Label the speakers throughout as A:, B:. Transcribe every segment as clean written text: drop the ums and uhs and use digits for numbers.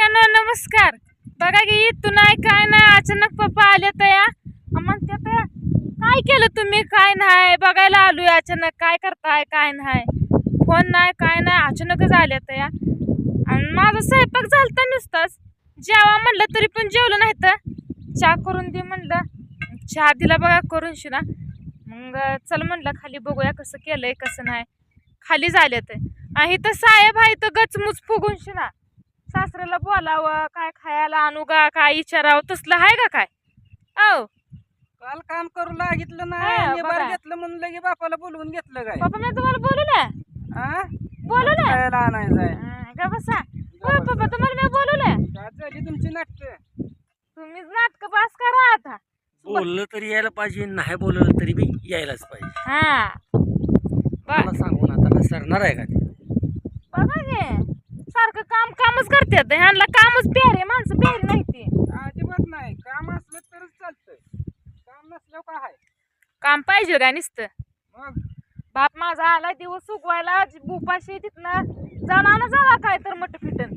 A: मित्रांनो नमस्कार. बघा की इथून नाही काय नाही अचानक पप्पा आले तया म्हणतात काय केलं तुम्ही काय नाही बघायला आलोय अचानक काय करताय काय नाही फोन नाही काय नाही अचानकच आले तया आणि माझा स्वयंपाक झालता नुसताच जेवा म्हणलं तरी पण जेवलं नाही तर चहा करून दे म्हणलं चहा दिला बघा करून शिना मग चल म्हणलं खाली बघूया कसं केलंय कसं नाही खाली झाले तर आणि इथं साहेब आहे तर गचमुच फुगून शिना सासऱ्याला बोलावं काय खायला आणू का काय विचारावं तसलं आहे का काय औ
B: काल काम करू लागितलं नाही घेतलं म्हणून लगे बापाला बोलवून घेतलं काय
A: पप्पा मी तुम्हाला बोलवलं बोलवलं
B: आणायचंय
A: का बसा हो पप्पा तुम्हाला मी बोलवलं
B: काय झाली तुमची नाटक
A: तुम्हीच नाटक पास करा आता
C: बोललं तरी यायला पाहिजे नाही बोललं तरी बी यायलाच पाहिजे
A: हा
C: मला सांगून आता का सरणार आहे का ते
A: बघा गे सारखं काम कामच करतात ह्यांना कामच प्यारे माणसं प्यारी नाही ती
B: अजिबात नाही काम असलं तरच चालतंय काम नसल्यावर काय आहे
A: काम पाहिजे का नुसतं
B: मग
A: बाप माझा आला दिवस उगवायला उपाशी तिथनं जाणा ना जावा काय तर मट फिटन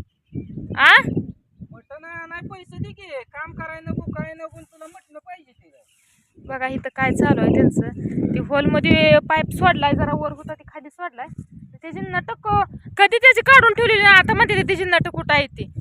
A: आ
B: मटण नाही पैसे दे की काम करायला नको काय नको तुला मटण पाहिजे ते
A: बघा इथं काय चालू आहे त्यांचं ते हॉलमध्ये पाईप सोडलाय जरा वर होता ते खाली सोडलाय त्याची नटक कधी त्याची काढून ठेवलेली आता मध्ये त्याची नटक कुठं आहे ती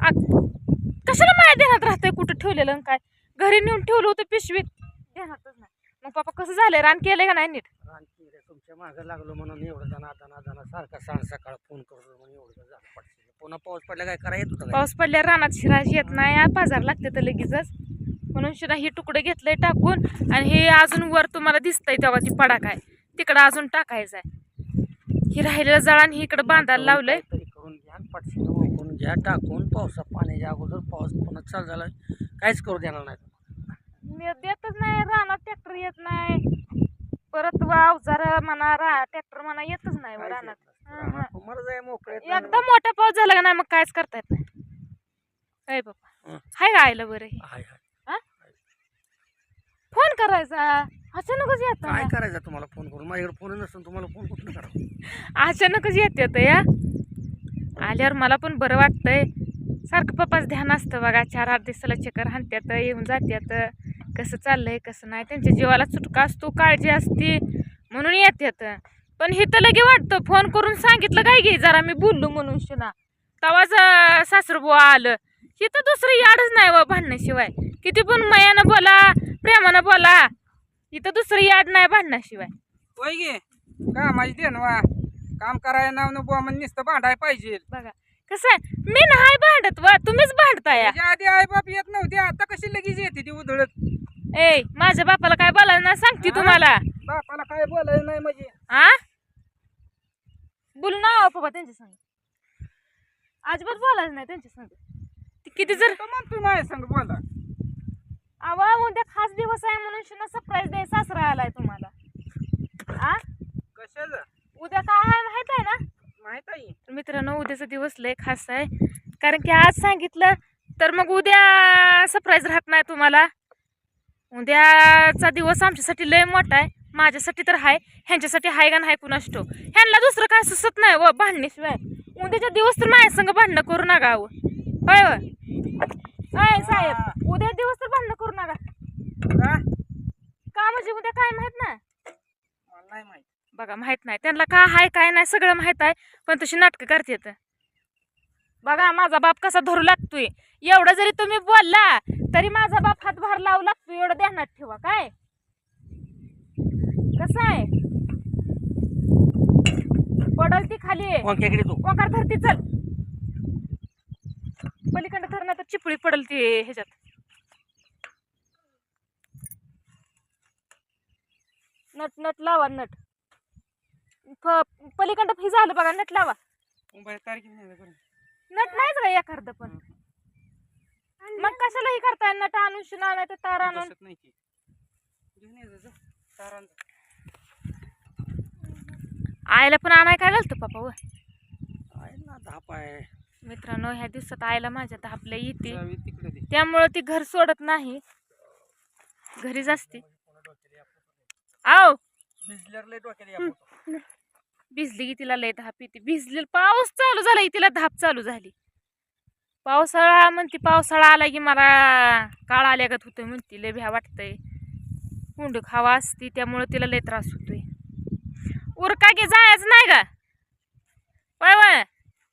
A: कशाला माया ध्यानात राहतंय कुठं ठेवलेलं आणि काय घरी नेऊन ठेवलं होतं पिशवीत ध्यानातच नाही मग पप्पा कसं झालंय रान केलंय का नाही नीट
C: तुमच्या मागं लागलो म्हणून एवढं दाना सारखा सांग सकाळ फोन करतो म्हणून एवढं झालं पडशील पुन्हा पाऊस पडला काय करा येत होतं
A: पाऊस पडल्या रानात शिराज येत नाही बाजार लागते तर लगेचच म्हणून शिरा ही तुकडे घेतलंय टाकून आणि हे अजून वर तुम्हाला दिसतंय तेव्हा ती पडा काय तिकडं अजून टाकायचं आहे ही राहिलेलं जळण ही इकडं बांधायला लावलंय
C: तरी करून घ्या पडशील ओळखून घ्या टाकून पावसा पाण्याच्या अगोदर पाऊस पुन्हा चालू झाला काहीच करू देणार नाही
A: मी देतच नाही रानात ट्रॅक्टर येत नाही परत अवजार म्हणा ट्रॅक्टर म्हणा येतच नाही रानात
C: तुम्हाला जाय मोकळे
A: एकदम मोठा पाऊस झाला का नाही मग कायच करता येत नाही काय बाप्पा हाय का आयला बरं
C: हाय हाय
A: फोन करायचा अचानकच येत
C: काय करायचं तुम्हाला फोन करून माझ्याकडे फोन नसून तुम्हाला फोन कुठून करा
A: अचानकच येत या आल्यावर मला पण बरं वाटतंय सारखं पप्पाच ध्यान असतं बघा 4-8 दिवसाला चक्कर हाणत्यात येऊन जात्यात कसं चाललंय कसं नाही त्यांच्या जीवाला चुटका असतो काळजी असते म्हणून येत्यात पण हे तर लगे वाटतं फोन करून सांगितलं काय घे जरा मी बोललो म्हणून शिना तवाच सासरबुवा आलं हे तर दुसरं याडच नाही व भांडण्याशिवाय किती पण मयानं बोला प्रेमानं बोला इथं दुसरं याड नाही भांडण्याशिवाय
B: होय गे का माझी देणवा काम करायला नाव नको म्हणजे नुसतं भांडाय पाहिजे
A: बघा कसं आहे मी नाही भांडत वा तुम्हीच भांडताय
B: आधी आई बाप येत नव्हते आता कशी लगेच येते ती उधळत
A: ए माझ्या बापाला काय बोलायला नाही सांगते तुम्हाला
B: बापाला काय बोलायला नाही म्हणजे
A: आ बोलू ना पप्पा त्यांच्या संग अजिबात बोलायचं नाही त्यांच्या संग किती जर
B: म्हणतो माझ्या संग बोला
A: आवा उद्या खास दिवस आहे म्हणून शिना सरप्राईज द्याय सासरा आलाय तुम्हाला आ
B: कशाला
A: उद्या काय आहे माहित आहे ना
B: माहित आहे
A: मित्रांनो उद्याचा दिवस लय खास आहे कारण की आज सांगितलं तर मग उद्या सरप्राईज राहत नाही तुम्हाला उद्याचा दिवस आमच्यासाठी लय मोठा आहे माझ्यासाठी तर आहे ह्यांच्यासाठी आहे का नाही कुणास ठाऊक ह्यांना दुसरं काय सुचत नाही व भांडण्याशिवाय उद्याचा दिवस तर माझ्या संग भांडणं करू नका होय होय साहेब उद्या दिवस तर भांडणं करू नका का म्हणजे उद्या काय माहित नाही
B: मला नाही माहित
A: बघा माहित नाही त्यांना काय आहे काय नाही सगळं माहित आहे पण तशी नाटकं करतात बघा माझा बाप कसा धरू लागतोय एवढं जरी तुम्ही बोलला तरी माझा बाप हातभार लावू लागतोय एवढं ध्यानात ठेवा काय कसं आहे पडल ती खाली ओंकार धरती चल पलीकडे धरणार तर चिपळी पडल ती ह्याच्यात नट नट लावा नट पलीकडं फी झालं बघा नट लावा नट नाहीच का एखादं पण मग कशाला हे करताय नट आणून शिना नाही तर तार आणून आईला पण आणाय काय घालतो पप्पा व
C: धाप आहे
A: मित्रांनो ह्या दिवसात आईला माझ्या धापल्या येते त्यामुळं ती घर सोडत नाही घरीच असते आओ भिजली की तिला लय धाप येते भिजली पाऊस चालू झाला की तिला धाप चालू झाली पावसाळा म्हणते, पावसाळा आला की मला काळ आल्यागत होतोय म्हणती, लय भ्या वाटतंय. हुंड खावा असती त्यामुळे तिला लय त्रास होतोय. उरका की जायचं नाही का? वय वय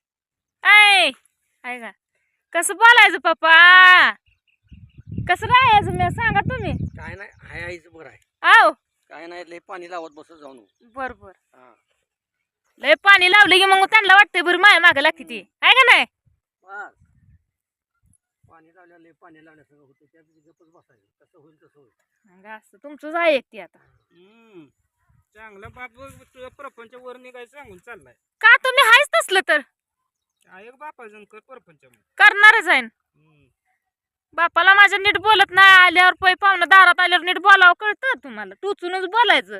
A: आहे का? कसं बोलायचं पप्पा? कसं राहायचं मी सांगा तुम्ही.
C: काय नाही, हाय आईचं बरं आहे.
A: आव
C: काय नाही, लय पाणी लावत बसत जाऊन.
A: बर बर.
C: हा
A: लय पाणी लावलं की मग त्यांना वाटतंय बरं माया मागे लागते ती, आहे का नाही?
C: बस. पाणी लावल्या लय पाणी लावल्यासंग होतं, त्या गपच बसायचं. कसं होईल तसं होईल.
A: असं तुमचंच आहे ती आता.
B: चांगला बाप तुझ्या प्रपंच वर निघायचं सांगून चाललाय.
A: का तुम्ही हायच तसलं तर
B: एक बापाजन कर प्रपंच
A: करणारच आहे. बापाला माझ्या नीट बोलत नाही, आल्यावर पै पाहुणं दारात आल्यावर नीट बोलावं कळतं तुम्हाला? टुचूनच बोलायचं.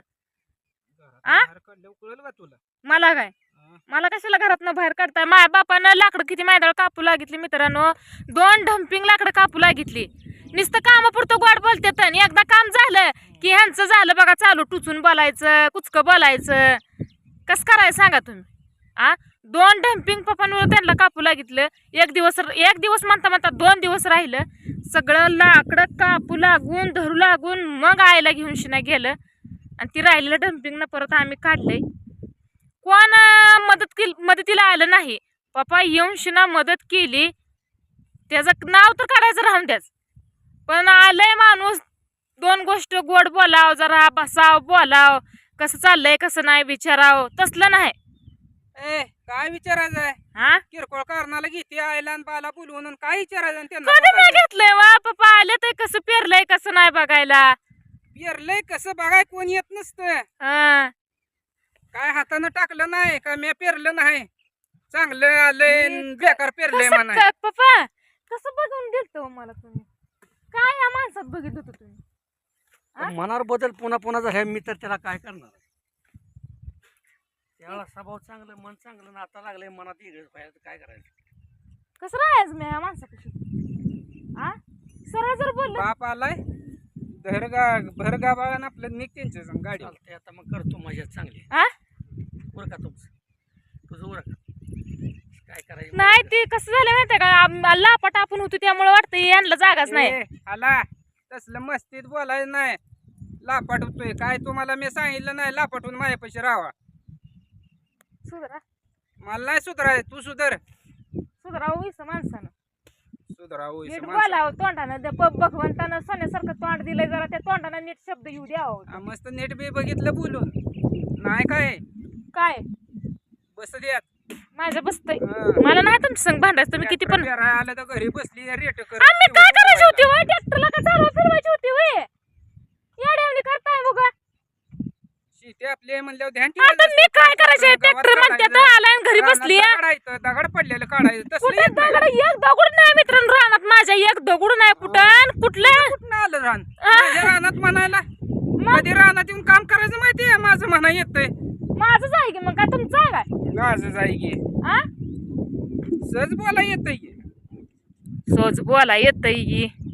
B: कळलं का तुला?
A: मला काय, मला कशाला घरातनं बाहेर काढताय? माझ्या बापानं लाकडं किती मैदाळ कापू लागितली मित्रांनो. 2 डम्पिंग लाकडं कापू लागितली. नुसतं कामापुरतं गोड बोलतात. एकदा काम झालं की ह्यांचं झालं बघा चालू, टुचून बोलायचं, कुचकं बोलायचं. कसं करायचं सांगा तुम्ही? 2 डम्पिंग पप्पांवर त्यांना कापू लागितलं. एक दिवस म्हणता 2 दिवस राहिलं. सगळं लाकडं कापू लागून धरू लागून मग आईला घेऊन शिना गेलं आणि ती राहिलेलं डम्पिंग परत आम्ही काढलंय. कोण मदतीला आलं नाही. पप्पा येऊन शिना मदत केली, त्याचं नाव तर काढायचं राहून द्याच. पण आलंय माणूस 2 गोष्ट गोड बोलाव, जरा बसाव, बोलाव, कसं चाललंय कसं नाही विचाराव, तसलं नाही.
B: काय विचारायचं आहे?
A: हा
B: किरकोळ कारणाला घेते आईला आणि बाला बोलवून काय विचारायचं त्यांना?
A: कधी नाही घेतलंय वा पप्पा. आले तर कसं पेरलंय कसं नाही बघायला.
B: पेरलंय कसं बघाय कोण येत नसतं.
A: हा
B: काय हातानं टाकलं नाही का मी पेरलं नाही, चांगलं आलंय न बेकार पेरलंय
A: कसं
B: म्हणा.
A: पप्पा कसं बघून दिलतो मला तुम्ही? काय या माणसात बघित होतो तुम्ही?
C: मनावर बदल पुन्हा पुन्हा झाला, मी तर त्याला काय करणार? त्याला स्वभाव चांगलं, मन चांगलं, नाता लागलंय मनात वेगळंच पाहिजे, काय करायचं?
A: कसं राहायचं मी या माणसापाशी? सरळ जर बोललं
B: बाप आलाय भरगा बाळा आपलं निघ त्यांच्या संग गाडी.
C: चालतंय, आता मग करतो मजा चांगली. उरका तुझं उरक. काय करायचं
A: नाही. ते कसं झालं माहितीये का, लापाट आपण होतो त्यामुळे वाटतं यांना जागाच नाही.
B: आला तसलं मस्तीत बोलायचं नाही. लापाट होतोय काय तुम्हाला मी सांगितलं नाही लापाटून माझ्यापाशी राहावा.
A: सुधरा
B: मला नाही सुधराय, तू सुधर.
A: सुधरावं इथं माणसानं.
B: सुधराव
A: नीट बोलावं तोंडानं. भगवंतानं सोन्यासारखं तोंड दिलंय, जरा त्या तोंडानं नीट शब्द येऊ द्यावं.
B: मस्त नेट बी बघितलं बोलून नाही
A: काय
B: बस द्यात
A: माझ्या बसतय. मला नाही तुमच्या संग भांडायचं. तुम्ही किती पण
B: आलं तर घरी बसली रेट कर.
A: आम्ही काय करायची होती वय? ट्रॅक्टरला का चालवा फिरवायची होती वय? येड्यावणी करताय बघा.
B: शेती आपली म्हणल्यावर ध्यान
A: आता मी काय करायचे? ट्रॅक्टर म्हणते तर आलाय आणि घरी बसली.
B: दगड पडलेलं काढायचं तसलं
A: कुठे
B: येत नाही.
A: दगड? एक दगड नाही मित्रांनो रानात माझ्या. एक दगड नाही कुठं कुठलं.
B: कुठं आलं रान माझ्या रानात म्हणायला? कधी रानात येऊन काम करायचं माहितीये माझं म्हणा येतंय.
A: माझंच आहे की मग काय तुमचं आहे काय?
B: माझं जाई गे
A: आ
B: सहज बोला येतंय.
A: सोज बोला येतय की